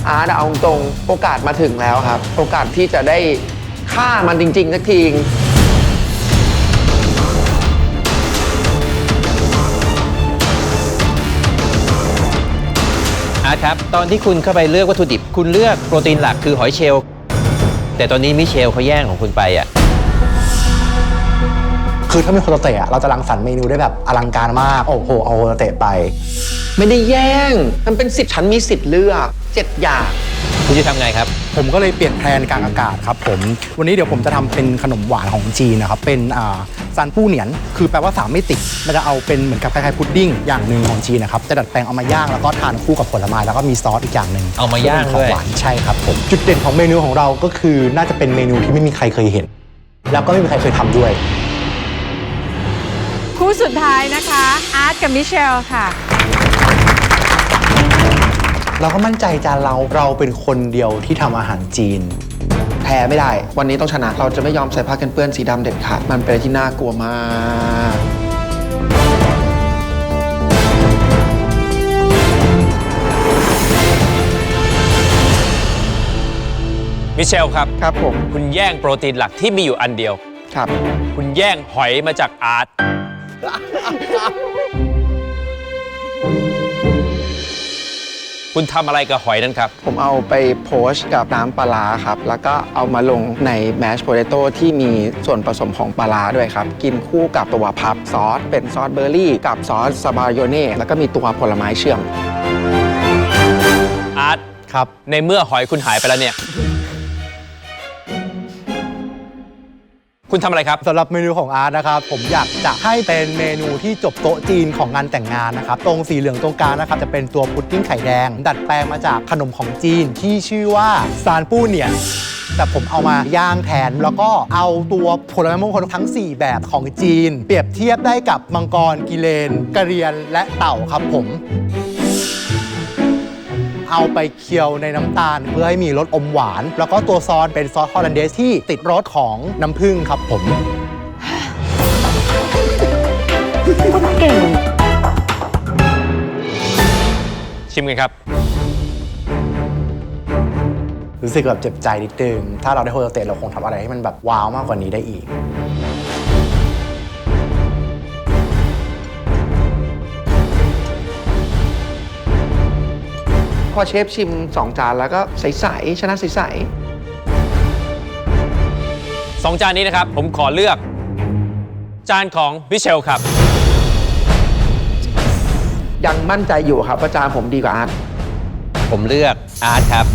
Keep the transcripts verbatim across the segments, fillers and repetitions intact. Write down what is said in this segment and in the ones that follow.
อาร์ตเอาตรงโอกาสมาถึงแล้วครับโอกาสที่จะได้ฆ่ามันจริงๆสักทีอาร์ตครับตอนที่คุณเข้าไปเลือกวัตถุดิบคุณเลือกโปรตีนหลักคือหอยเชลล์แต่ตอนนี้มิเชลเขาแย่งของคุณไปอ่ะคือถ้ามีโฮตาเตะเราจะรังสรรค์เมนูได้แบบอลังการมากโอ้โหเอาโฮตาเตะไปไม่ได้แย่งมันเป็นสิทธิ์ฉันมีสิทธิ์เลือกเจ็ดอย่างคุณจะทำไงครับผมก็เลยเปลี่ยนแผนกลางอากาศครับผมวันนี้เดี๋ยวผมจะทำเป็นขนมหวานของจีนนะครับเป็นอ่าซานปู้เหนียนคือแปลว่าสามมิติมันจะเอาเป็นเหมือนกับคล้ายๆพุดดิ้งอย่างหนึ่งของจีนนะครับจะดัดแปลงเอามาย่างแล้วก็ทานคู่กับผลไม้แล้วก็มีซอสอีกอย่างหนึ่งเอามาย่างด้วยของหวานใช่ครับผมจุดเด่นของเมนูของเราก็คือน่าจะเป็นเมนูที่ไม่มีใครเคยเห็นแล้วก็ไม่มีใครเคยทำด้วยคู่สุดท้ายนะคะอาร์ตกับมิเชลค่ะเราก็มั่นใจจานเราเราเป็นคนเดียวที่ทำอาหารจีนแพ้ไม่ได้วันนี้ต้องชนะเราจะไม่ยอมใส่ผ้ากันเปื้อนสีดำเด็ดขาดมันเป็นอะไรที่น่ากลัวมากมิเชลครับครับผมคุณแย่งโปรตีนหลักที่มีอยู่อันเดียวครับคุณแย่งหอยมาจากอาร์ตคุณทำอะไรกับหอยนั้นครับผมเอาไปโพสต์กับน้ำปลาร้าครับแล้วก็เอามาลงในแมชโพเตโต้ที่มีส่วนผสมของปลาร้าด้วยครับกินคู่กับตัวพับซอสเป็นซอสเบอร์รี่กับซอสซาบายโยเน่แล้วก็มีตัวผลไม้เชื่อมอาร์ตครับในเมื่อหอยคุณหายไปแล้วเนี่ยคุณทำอะไรครับสำหรับเมนูของอาร์ตนะครับผมอยากจะให้เป็นเมนูที่จบโต๊ะจีนของงานแต่งงานนะครับตรงสีเหลืองตรงกลางนะครับจะเป็นตัวพุดดิ้งไข่แดงดัดแปลงมาจากขนมของจีนที่ชื่อว่าซานปู้เหนียนแต่ผมเอามาย่างแทนแล้วก็เอาตัวผลไม้มงคลทั้งสี่แบบของจีนเปรียบเทียบได้กับมังกรกิเลนกระเรียนและเต่าครับผมเอาไปเคี่ยวในน้ำตาลเพื่อให้มีรสอมหวานแล้วก็ตัวซอสเป็นซอสฮอลแลนเดสที่ติดรสของน้ำผึ้งครับผมเก่งชิมกันครับรู้สึกแบบเจ็บใจนิดนึงถ้าเราได้โฮตาเตะเราคงทำอะไรให้มันแบบว้าวมากกว่านี้ได้อีกพอเชฟชิมสองจานแล้วก็ใสๆชนะใสๆสองจานนี้นะครับผมขอเลือกจานของมิเชลครับยังมั่นใจอยู่ครับว่าจานผมดีกว่าอาร์ตผมเลือกอาร์ตครับ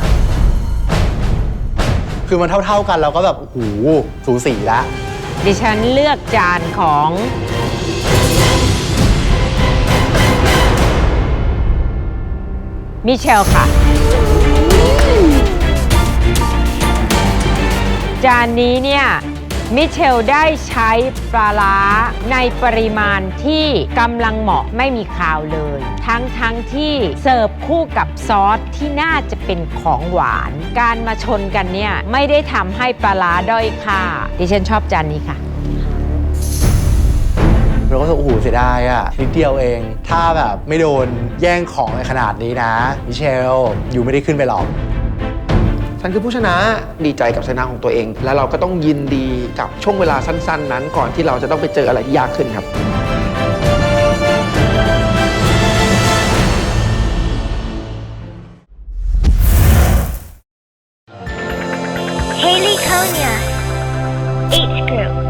คือมันเท่าๆกันเราก็แบบโอ้โหสูสีแล้วดิฉันเลือกจานของมิเชลค่ะจานนี้เนี่ยมิเชลได้ใช้ปลาร้าในปริมาณที่กำลังเหมาะไม่มีคาวเลยทั้งทั้งที่เสิร์ฟคู่กับซอสที่น่าจะเป็นของหวานการมาชนกันเนี่ยไม่ได้ทำให้ปลาร้าด้อยค่าดิฉันชอบจานนี้ค่ะเราก็โอ้โหเสียดายอ่ะนิดเดียวเองถ้าแบบไม่โดนแย่งของในขนาดนี้นะมิเชลอยู่ไม่ได้ขึ้นไปหรอกฉันคือผู้ชนะดีใจกับชนะของตัวเองแล้วเราก็ต้องยินดีกับช่วงเวลาสั้นๆนั้นก่อนที่เราจะต้องไปเจออะไรที่ยากขึ้นครับ Haley Konya, H Group